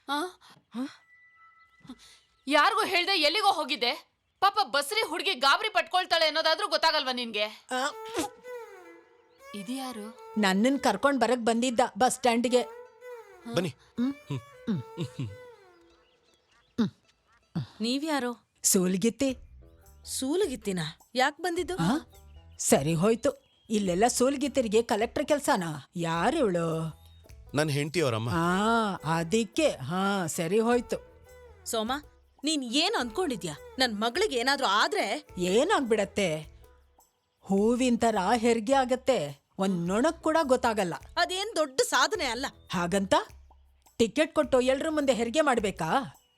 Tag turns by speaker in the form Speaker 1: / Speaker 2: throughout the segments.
Speaker 1: ಯಾರಿಗೂ ಹೇಳ್ದೆ ಎಲ್ಲಿಗೋ ಹೋಗಿದ್ದೆ? ಪಾಪ ಬಸ್ರಿ ಹುಡುಗಿ ಗಾಬರಿ ಪಟ್ಕೊಳ್ತಾಳೆ ಅನ್ನೋದಾದ್ರೂ ಗೊತ್ತಾಗಲ್ವಾ ನಿನ್ಗೆ? ಇದ್ಯಾರು?
Speaker 2: ನನ್ನನ್ ಕರ್ಕೊಂಡ್ ಬರಕ್ ಬಂದಿದ್ದ ಬಸ್ ಸ್ಟ್ಯಾಂಡ್ಗೆ.
Speaker 3: ಬನ್ನಿ.
Speaker 4: ನೀವ್ಯಾರೋ?
Speaker 2: ಸೂಲ್ಗಿತ್ತಿ.
Speaker 4: ಸೂಲಗಿತ್ತಿನ ಯಾಕೆ ಬಂದಿದ್ದು?
Speaker 2: ಸರಿ ಹೋಯ್ತು. ಇಲ್ಲೆಲ್ಲ ಸೂಲ್ಗಿತ್ತಿರಿಗೆ ಕಲೆಕ್ಟರ್ ಕೆಲ್ಸನಾ? ಯಾರಿವಳು?
Speaker 3: ನನ್ನ ಹೆಂಡತಿ ಅವರಮ್ಮ.
Speaker 2: ಅದಕ್ಕೆ ಸರಿ ಹೋಯ್ತು.
Speaker 4: ಸೋಮ, ನೀನ್ ಏನ್ ಅನ್ಕೊಂಡಿದ್ಯಾ? ನನ್ ಮಗಳಿಗೆ ಏನಾದ್ರೂ ಆದ್ರೆ
Speaker 2: ಏನಾಗ್ಬಿಡತ್ತೆ? ಹೂವಿನ ತರ ಹೆರಿಗೆ ಆಗತ್ತೆ, ಒಂದ್ ನೊಣಕ್ ಕೂಡ ಗೊತ್ತಾಗಲ್ಲ.
Speaker 4: ಅದೇನ್ ದೊಡ್ಡ ಸಾಧನೆ ಅಲ್ಲ.
Speaker 2: ಹಾಗಂತ ಟಿಕೆಟ್ ಕೊಟ್ಟು ಎಲ್ರ ಮುಂದೆ ಹೆರಿಗೆ ಮಾಡ್ಬೇಕಾ?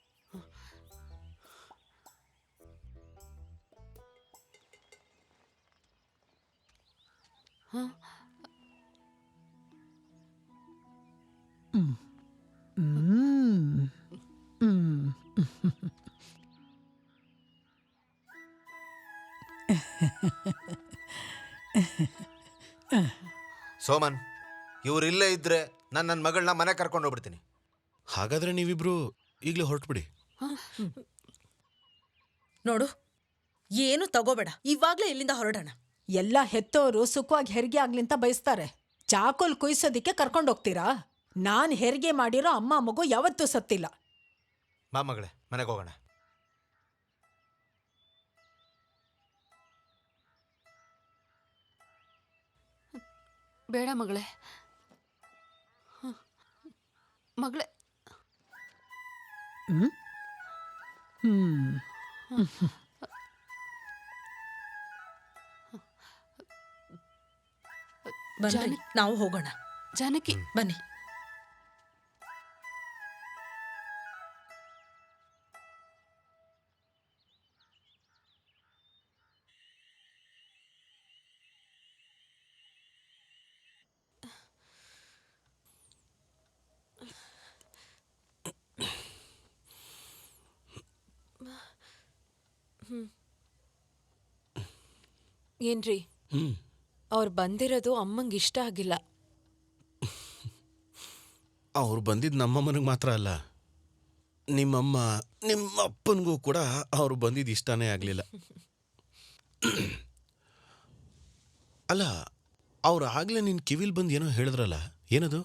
Speaker 5: ಸೋಮನ್, ಇವ್ರಿಲ್ಲೇ ಇದ್ರೆ ನನ್ನ ಮಗಳನ್ನ ಮನೆ ಕರ್ಕೊಂಡು ಹೋಗ್ಬಿಡ್ತೀನಿ.
Speaker 3: ಹಾಗಾದ್ರೆ ನೀವಿಬ್ರು ಈಗಲೇ ಹೊರಟ್ಬಿಡಿ.
Speaker 4: ನೋಡು, ಏನು ತಗೋಬೇಡ, ಇವಾಗ್ಲೇ ಇಲ್ಲಿಂದ ಹೊರಡೋಣ.
Speaker 2: ಎಲ್ಲ ಹೆತ್ತೋರು ಸುಖವಾಗಿ ಹೆರಿಗೆ ಆಗ್ಲಿಂತ ಬಯಸ್ತಾರೆ. ಚಾಕೋಲ್ ಕುಯ್ಸೋದಿಕ್ಕೆ ಕರ್ಕೊಂಡೋಗ್ತೀರಾ? ನಾನ್ ಹೆರಿಗೆ ಮಾಡಿರೋ ಅಮ್ಮ ಮಗು ಯಾವತ್ತೂ ಸತ್ತಿಲ್ಲ.
Speaker 5: ಬಾ ಮಗಳೇ, ಮನೆಗೆ ಹೋಗೋಣ.
Speaker 1: ಬೇಡ ಮಗಳೇ, ಮಗಳೇ.
Speaker 4: ಬನ್ನಿ, ನಾವು ಹೋಗೋಣ.
Speaker 1: ಜಾನಕಿ,
Speaker 4: ಬನ್ನಿ.
Speaker 6: ಏನ್ರಿ, ಅವ್ರು ಬಂದಿರೋದು ಅಮ್ಮಂಗೆ ಇಷ್ಟ ಆಗಿಲ್ಲ.
Speaker 3: ಅವ್ರು ಬಂದಿದ್ದು ನಮ್ಮಮ್ಮನಿಗೆ ಮಾತ್ರ ಅಲ್ಲ, ನಿಮ್ಮಮ್ಮ ನಿಮ್ಮ ಅಪ್ಪನಿಗೂ ಕೂಡ ಅವ್ರು ಬಂದಿದ್ದು ಇಷ್ಟನೇ ಆಗಲಿಲ್ಲ. ಅಲ್ಲ, ಅವ್ರು ಆಗಲೇ ನಿನ್ನ ಕಿವಿಲ್ ಬಂದು ಏನೋ ಹೇಳಿದ್ರಲ್ಲ, ಏನದು?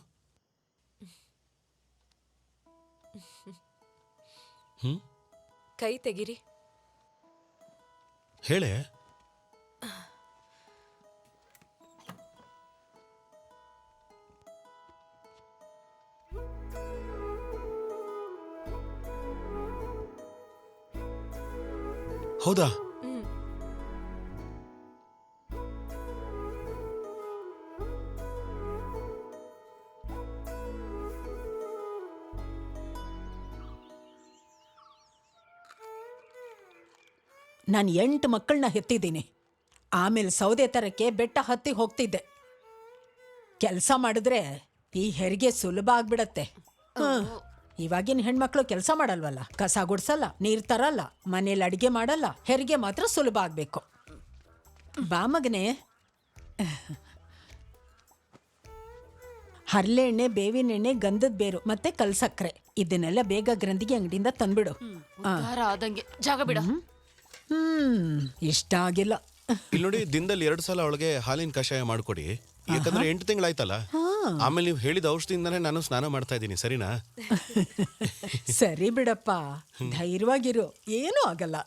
Speaker 6: ಕೈ ತೆಗಿರಿ.
Speaker 3: ಹೇಳೆ. ಹೌದಾ?
Speaker 2: ನಾನು 8 ಮಕ್ಕಳನ್ನ ಹೆತ್ತಿದ್ದೀನಿ. ಆಮೇಲೆ ಸೌದೆ ತರಕ್ಕೆ ಬೆಟ್ಟ ಹತ್ತಿ ಹೋಗ್ತಿದ್ದೆ. ಕೆಲಸ ಮಾಡಿದ್ರೆ ಈ ಹೆರಿಗೆ ಸುಲಭ ಆಗ್ಬಿಡತ್ತೆ. ಇವಾಗಿನ ಹೆಣ್ಮಕ್ಳು ಕೆಲಸ ಮಾಡಲ್ವಲ್ಲ, ಕಸ ಗುಡ್ಸಲ್ಲ, ನೀರ್ ತರಲ್ಲ, ಮನೇಲಿ ಅಡಿಗೆ ಮಾಡಲ್ಲ. ಹೆರಿಗೆ ಮಾತ್ರ ಸುಲಭ ಆಗ್ಬೇಕು. ಬಾ ಮಗನೇ. ಹರಳೆಣ್ಣೆ, ಬೇವಿನ ಎಣ್ಣೆ, ಗಂಧದ ಬೇರು ಮತ್ತೆ ಕಲ್ಸಕ್ರೆ ಇದನ್ನೆಲ್ಲ ಬೇಗ ಗ್ರಂಥಿಗೆ ಅಂಗಡಿಯಿಂದ ತಂದ್ಬಿಡು.
Speaker 1: ಆದಂಗೆ ಜಾಗ ಬಿಡ.
Speaker 2: ಇಷ್ಟ ಆಗಿಲ್ಲ.
Speaker 3: ಇಲ್ಲಿ ನೋಡಿ, ದಿನದಲ್ಲಿ 2 ಸಲ ಅವಳಿಗೆ ಹಾಲಿನ ಕಷಾಯ ಮಾಡ್ಕೊಡಿ. ಯಾಕಂದ್ರೆ 8 ತಿಂಗಳಾಯ್ತಲ್ಲ. ಆಮೇಲೆ ನೀವು ಹೇಳಿದ ಔಷಧಿಯಿಂದಾನೇ ನಾನು ಸ್ನಾನ ಮಾಡ್ತಾ ಇದ್ದೀನಿ. ಸರಿನಾ?
Speaker 2: ಸರಿ ಬಿಡಪ್ಪ, ಧೈರ್ಯವಾಗಿರು, ಏನೂ ಆಗಲ್ಲ.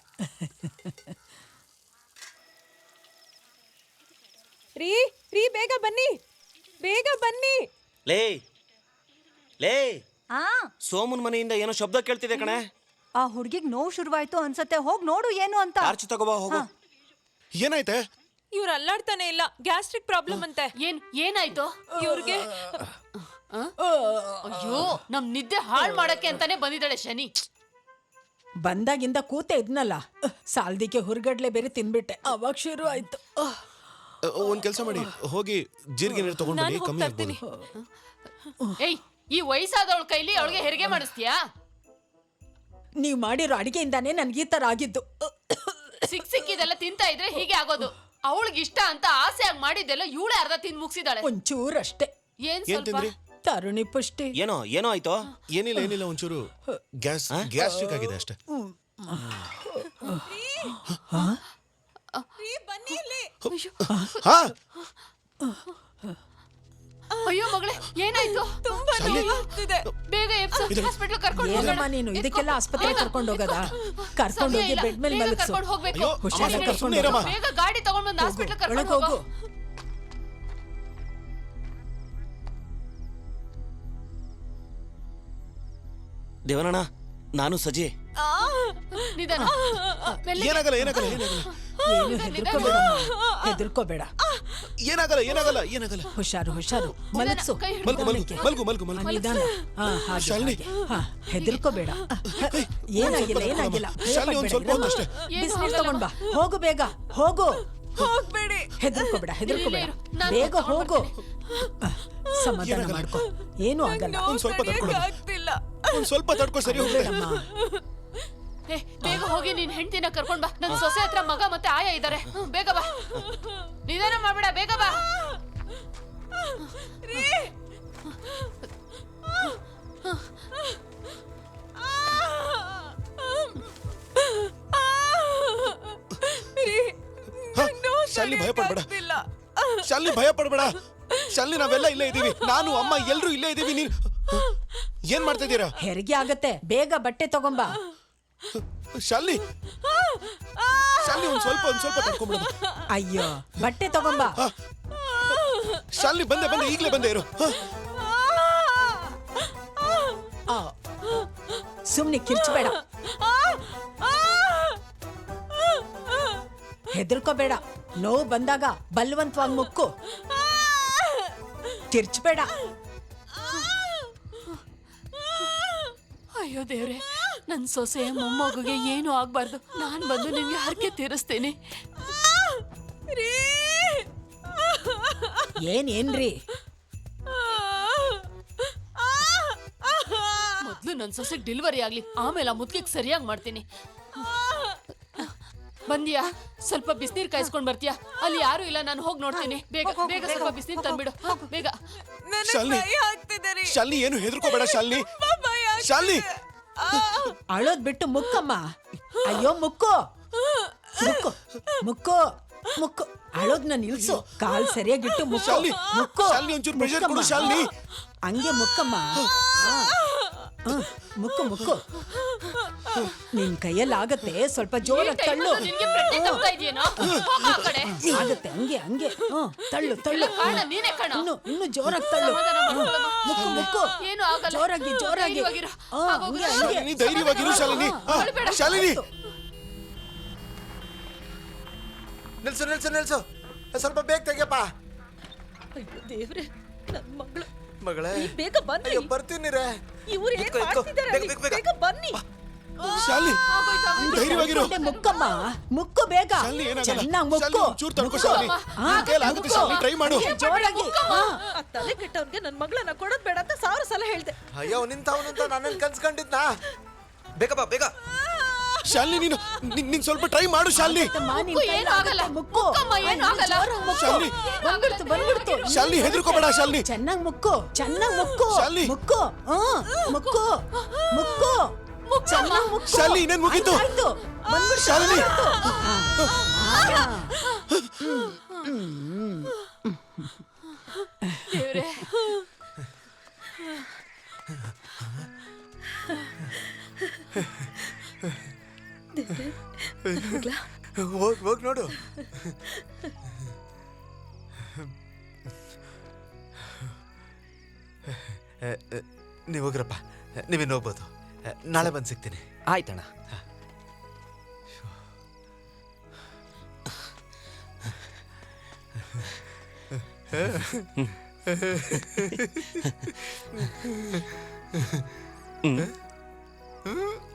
Speaker 6: ರೀ ರೀ, ಬೇಗ ಬನ್ನಿ, ಬೇಗ ಬನ್ನಿ.
Speaker 7: ಲೇ ಲೇ, ಸೋಮನ್ ಮನೆಯಿಂದ ಏನೋ ಶಬ್ದ ಕೇಳ್ತಿದೆ ಕಣೆ.
Speaker 8: ಆ ಹುಡ್ಗಿಗ್ ನೋವು ಶುರುವಾಯ್ತು ಅನ್ಸತ್ತೆ, ಹೋಗ್ ನೋಡು ಏನು ಅಂತ.
Speaker 7: ಟಾರ್ಚ್ ತಗೋಬಾ, ಹೋಗು.
Speaker 3: ಏನಾಯ್ತೆ?
Speaker 6: ಇವ್ರು ಅಲ್ಲಾಡ್ತಾನೆ ಇಲ್ಲ, ಗ್ಯಾಸ್ಟ್ರಿಕ್ ಪ್ರಾಬ್ಲಮ್ ಅಂತೆ.
Speaker 1: ಏನಾಯ್ತು
Speaker 6: ಇವ್ರಿಗೆ?
Speaker 1: ಅಯ್ಯೋ, ನಮ್ ನಿದ್ದೆ ಹಾಳು ಮಾಡಕ್ಕೆ ಅಂತಾನೆ ಬಂದಿದ್ದಾಳೆ ಶನಿ.
Speaker 2: ಬಂದಾಗಿಂದ ಕೂತೆ ಇದ್ನಲ್ಲ, ಸಾಲ್ದಿಕ್ಕೆ ಹುರ್ಗಡ್ಲೆ ಬೇರೆ ತಿನ್ಬಿಟ್ಟೆ, ಅವಾಗ ಶುರು ಆಯ್ತು.
Speaker 3: ಒಂದ್ ಕೆಲಸ ಮಾಡಿ, ಹೋಗಿ ಜೀರಿಗೆ ನೀರು ತಗೊಂಡು ಬನ್ನಿ, ಕಮ್ಮಿ ಆಗ್ಬೋದು.
Speaker 1: ಏಯ್, ಈ ವಯಸ್ಸಾದವಳ ಕೈಲಿ ಅವಳಿಗೆ ಹೆರಿಗೆ ಮಾಡಿಸ್ತೀಯಾ?
Speaker 2: ನೀವ್ ಮಾಡಿರೋ ಅಡಿಗೆಯಿಂದಾನೇ ನನ್ಗೆ ಈ ತರ ಆಗಿದ್ದು.
Speaker 1: ಸಿಕ್ಕಿದೆಲ್ಲ ತಿಂತಾ ಇದ್ರೆ ಹೀಗೆ ಆಗೋದು. ಅವಳಿಗೆ ಇಷ್ಟ ಅಂತ ಆಸೆಯಾಗಿ ಮಾಡಿದ್ದೆಲ್ಲ ಇವಳೇ ಅರ್ಧ ತಿಂದು ಮುಗಿಸಿದಾಳೆ.
Speaker 2: ಒಂಚೂರಷ್ಟೇ.
Speaker 1: ಏನ್ ಸ್ವಲ್ಪ?
Speaker 2: ತರುಣಿ ಪುಷ್ಟಿ.
Speaker 7: ಏನೋ ಆಯ್ತು?
Speaker 3: ಏನಿಲ್ಲ ಒಂಚೂರು ಗ್ಯಾಸ್ಟ್ರಿಕ್ ಆಗಿದೆ ಅಷ್ಟೇ.
Speaker 6: ರೀ ಬನ್ನಿ ಇಲ್ಲಿ.
Speaker 3: ಹಾ
Speaker 1: ಅಯ್ಯೋ ಮಗಳೇ, ಏನಾಯ್ತು?
Speaker 6: ತುಂಬಾ ನೋವಾಗ್ತಿದೆ.
Speaker 1: ಬೇಗ ಹಾಸ್ಪಿಟಲ್ ಕರ್ಕೊಂಡು
Speaker 2: ಏನಮ್ಮ ನೀನು ಇದಕ್ಕೆಲ್ಲ ಆಸ್ಪತ್ರೆ ಕರ್ಕೊಂಡು ಹೋಗದ? ಕರ್ಕೊಂಡು ಹೋಗಿ ಬೆಡ್ ಮೇಲೆ ಮಲಗಿಸು.
Speaker 1: ಕರ್ಕೊಂಡು ಹೋಗ್ಬೇಕು.
Speaker 3: ಅಯ್ಯೋ,
Speaker 2: ಹುಷಾರಾಗಿ
Speaker 3: ಸುಮ್ನೆ
Speaker 2: ಕರ್ಕೊಂಡು
Speaker 3: ಇರಮ್ಮ.
Speaker 1: ಬೇಗ ಗಾಡಿ ತಗೊಂಡು ಬಂದು ಹಾಸ್ಪಿಟಲ್
Speaker 2: ಒಳಗೆ
Speaker 1: ಕರ್ಕೊಂಡು
Speaker 2: ಹೋಗು.
Speaker 1: ಹೋಗು.
Speaker 7: ದೇವನಣ್ಣ, ನಾನು ಸಜಿ.
Speaker 1: ನಿಧಾನ. ಮೆಲ್ಲಿಗೆ.
Speaker 3: ಏನಾಗಲ್ಲ
Speaker 2: ಏನು ಹೆದರ್ಕೋಬೇಡ. ಏನಾಗಲ್ಲ. ಹುಷಾರು ಮಲಗಿಸು.
Speaker 1: ಕೈ ಹಿಡ್ದು.
Speaker 3: ಮಲ್ಗು
Speaker 2: ನಿಧಾನ. ಹಾಗೆ,
Speaker 3: ಶಾಲಿನಿ.
Speaker 2: ಹಾಗೆ. ಹೆದರ್ಕೋಬೇಡ. ಏನಾಗಿಲ್ಲ.
Speaker 3: ಶಾಲಿನಿ, ಒಂದ್ ಸ್ವಲ್ಪ ಹೊತ್ತು ಅಷ್ಟೇ.
Speaker 2: ಬಿಸಿನೀರು ತಗೊಂಡ್ ಬಾ. ಹೋಗು ಬೇಗ, ಹೋಗು.
Speaker 6: ಹೋಗ್ಬೇಡಿ.
Speaker 2: ಹೆದರ್ಕೋಬೇಡ.
Speaker 1: ಇಲ್ಲೇ ಇರು. ನಾನು
Speaker 2: ಬೇಗ
Speaker 1: ತಗೊಂಡ್
Speaker 2: ಹೋಗು.
Speaker 1: ಬರ್ತೀನಿ.
Speaker 2: ಸಮಾಧಾನ ಮಾಡ್ಕೊ. ಏನೂ ಆಗಲ್ಲ.
Speaker 3: ಒಂದ್ ಸ್ವಲ್ಪ ತಡ್ಕೊಳ್ಳು.
Speaker 6: ಆಗ್ತಿಲ್ಲ.
Speaker 3: ಒಂದ್ ಸ್ವಲ್ಪ ತಡ್ಕೊ, ಸರಿ ಹೋಗ್ತದೆ.
Speaker 1: ಬೇಗ ಹೋಗಿ ನಿನ್ ಹೆಂಡತಿನ ಕರ್ಕೊಂಡ್ ಬಾ. ನನ್ ಸೊಸೆ ಹತ್ರ ಮಗ ಮತ್ತೆ ಆಯ ಇದಾರೆ. ಬೇಗ ಬಾ. ನಿಧಾನ ಮಾಡ್ಬೇಡ, ಬೇಗ ಬಾ.
Speaker 3: ಶಾಲಿನಿ, ಭಯ ಪಡ್ಬೇಡ. ಶಾಲಿನಿ, ನಾವೆಲ್ಲ ಇಲ್ಲೇ ಇದೀವಿ. ನಾನು, ಅಮ್ಮ ಎಲ್ರು ಇಲ್ಲೇ ಇದೀವಿ. ನೀನ್ ಏನ್ ಮಾಡ್ತಾ ಇದ್ದೀರಾ?
Speaker 2: ಹೆರಿಗೆ ಆಗತ್ತೆ. ಬೇಗ ಬಟ್ಟೆ ತಗೊಂಬಾ.
Speaker 3: ಶಾಲಿನಿ, ಒಂದ್ ಸ್ವಲ್ಪ ತಡ್ಕೊಂಡ್ಬಿಡ.
Speaker 2: ಅಯ್ಯೋ, ಬಟ್ಟೆ ತಗೊಂಬಾ.
Speaker 3: ಶಾಲಿನಿ, ಬಂದೆ ಈಗ್ಲೇ ಬಂದೆ ಇರು.
Speaker 2: ಸುಮ್ನೆ ಕಿರ್ಚಬೇಡ. ಹೆದರ್ಕೋಬೇಡ. ನೋವು ಬಂದಾಗ ಬಲವಂತವಾಗಿ ಮುಕ್ಕು. ಕಿರ್ಚಬೇಡ.
Speaker 1: ಅಯ್ಯೋ ದೇವ್ರೆ, ನನ್ ಸೊಸೆ ಮೊಮ್ಮಗುಗೆ ಏನು ಆಗ್ಬಾರ್ದು. ನಾನ್ ಬಂದು ನಿಮ್ಗೆ ಹರಕೆ ತೀರಿಸ್ತೀನಿ.
Speaker 2: ಏನ್ರಿ?
Speaker 1: ಮೊದ್ಲು ನನ್ ಸೊಸೆಗೆ ಡೆಲಿವರಿ ಆಗ್ಲಿ, ಆಮೇಲೆ ಆ ಮುದ್ಕಿಗೆ ಸರಿಯಾಗಿ ಮಾಡ್ತೀನಿ. ಬಂದಿಯಾ? ಸ್ವಲ್ಪ ಬಿಸಿನೀರ್ ಕಾಯಿಸ್ಕೊಂಡ್ ಬರ್ತೀಯಾ? ಅಲ್ಲಿ ಯಾರು ಇಲ್ಲ, ನಾನು ಹೋಗಿ ನೋಡ್ತೀನಿ. ಬೇಗ ಸ್ವಲ್ಪ ಬಿಸಿನೀರ್ ತಂದ್ಬಿಡು. ಬೇಗ.
Speaker 3: ಶಾಲಿನಿ,
Speaker 6: ಭಯ ಆಗ್ತಿದೆ ರೀ.
Speaker 3: ಶಾಲಿನಿ, ಏನು ಹೆದರ್ಕೋಬೇಡ. ಶಾಲಿನಿ,
Speaker 2: ಅಳೋದ್ ಬಿಟ್ಟು ಮುಕ್ಕಮ್ಮ. ಅಯ್ಯೋ, ಮುಕ್ಕು. ಅಳೋದ್ನ ನಿಲ್ಸು. ಕಾಲ್ ಸರಿಯಾಗಿಟ್ಟು ಮುಕ್ಕು.
Speaker 3: ಶಾಲಿನಿ, ಒಂಚೂರು ಪ್ರೆಷರ್ ಕೊಡು. ಶಾಲಿನಿ,
Speaker 2: ಹಂಗೆ ಮುಕ್ಕಮ್ಮ. ಮುಕ್ಕು. ನಿನ್ ಕೈಯಲ್ಲಿ ಆಗತ್ತೆ. ಸ್ವಲ್ಪ ಜೋರಾಗಿ ತಳ್ಳು.
Speaker 1: ನಿನ್ಗೆ ಪ್ರಜ್ಞೆ ತಪ್ತಾ ಇದೆಯೇನೋ? ಹೋಗು ಆ ಕಡೆ.
Speaker 2: ಆಗತ್ತೆ. ಹಂಗೆ ತಳ್ಳು.
Speaker 1: ಕಾಣ, ನೀನೇ ಕಾಣ.
Speaker 2: ಇನ್ನು ಜೋರಾಗಿ ತಳ್ಳು.
Speaker 1: ಸಮಾಧಾನ ಮಾಡ್ಕೊಳ್ಳಮ್ಮ.
Speaker 2: ಮುಕ್ಕು.
Speaker 1: ಏನು ಆಗಲ್ಲ.
Speaker 2: ಜೋರಾಗಿ.
Speaker 1: ಧೈರ್ಯವಾಗಿರು. ಆಗೋಗು.
Speaker 3: ಶಾಲಿನಿ, ಧೈರ್ಯವಾಗಿರು. ಶಾಲಿನಿ,
Speaker 5: ನಿಲ್ಸು. ಸ್ವಲ್ಪ ಬೇಗ ತೆಗಿಯಪ್ಪ.
Speaker 4: ಅಯ್ಯೋ ದೇವ್ರೆ, ನನ್ ಮಗಳು.
Speaker 5: ಮಗಳೇ,
Speaker 4: ಬೇಗ ಬನ್ನಿ.
Speaker 5: ಅಯ್ಯೋ, ಬರ್ತೀನಿ ರೇ.
Speaker 4: ಇವ್ರು ಏನ್
Speaker 5: ಇಟ್ಕೋ.
Speaker 4: ಮಾಡ್ತಿದ್ದಾರೆ ಅಲ್ಲಿ?
Speaker 5: ಬೇಗ.
Speaker 4: ಬೇಗ ಬನ್ನಿ.
Speaker 3: ಶಾಲಿನಿ, ಧೈರ್ಯವಾಗಿರು.
Speaker 2: ಮುಕ್ಕಮ್ಮ. ಮುಕ್ಕು ಬೇಗ.
Speaker 3: ಶಾಲಿನಿ, ಏನಾಗಲ್ಲ.
Speaker 2: ಚೆನ್ನಾಗಿ
Speaker 3: ಶಾಲಿನಿ,
Speaker 2: ಮುಕ್ಕು.
Speaker 3: ಒಂಚೂರು ತಡ್ಕೊ. ಶಾಲಿನಿ, ನಿನ್ ಕೈಯಲ್ಲಿ ಆಗುತ್ತೆ. ಶಾಲಿನಿ, ಟ್ರೈ ಮಾಡು.
Speaker 2: ಜೋರಾಗಿ.
Speaker 4: ಆ ತಲೆ ಕೆಟ್ಟವ್ರಿಗೆ ನನ್ ಮಗಳನ್ನ ಕೊಡೋದ್ ಬೇಡ ಅಂತ 1000 ಸಲ ಹೇಳ್ದೆ.
Speaker 5: ಅಯ್ಯೋ, ನಿಂತವನಂತ ನಾನೇನ್ ಕನ್ಸ್ಕೊಂಡಿದ್ನಾ? ಬೇಗ.
Speaker 3: ಶಾಲಿನಿ, ನೀನ್ ಸ್ವಲ್ಪ ಟ್ರೈ ಮಾಡು. ಶಾಲಿನಿ,
Speaker 1: ಏನು ಆಗಲ್ಲ.
Speaker 2: ಮುಕ್ಕು.
Speaker 1: ಮುಕ್ಕಮ್ಮ, ಏನು ಆಗಲ್ಲ.
Speaker 3: ಶಾಲಿನಿ,
Speaker 2: ಬಂದ್ಬಿಡ್ತು.
Speaker 3: ಶಾಲಿನಿ, ಹೆದರ್ಕೋಬೇಡ. ಶಾಲಿನಿ,
Speaker 2: ಚೆನ್ನಾಗಿ ಮುಕ್ಕು.
Speaker 3: ಶಾಲಿನಿ.
Speaker 2: ಮುಕ್ಕು. ಚೆನ್ನಾಗಿ ಮುಕ್ಕು.
Speaker 3: ಶಾಲಿನಿ, ಇನ್ನೇನ್ ಮುಗೀತು?
Speaker 2: ಆಯ್ತು. ಬಂದ್ಬಿಡ್ತು.
Speaker 3: ಶಾಲಿನಿ,
Speaker 1: ದೇವ್ರೆ,
Speaker 5: ಹೋಗ್ ನೋಡು. ನೀವು ಹೋಗ್ರಪ್ಪ. ನೀವೇನು ಹೋಗ್ಬೋದು. ನಾಳೆ ಬಂದು ಸಿಗ್ತೀನಿ.
Speaker 7: ಆಯ್ತಣ್ಣ.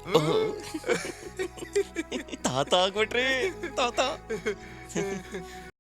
Speaker 7: ತಾತ ಆಗ್ಬಿಟ್ರಿ ತಾತ.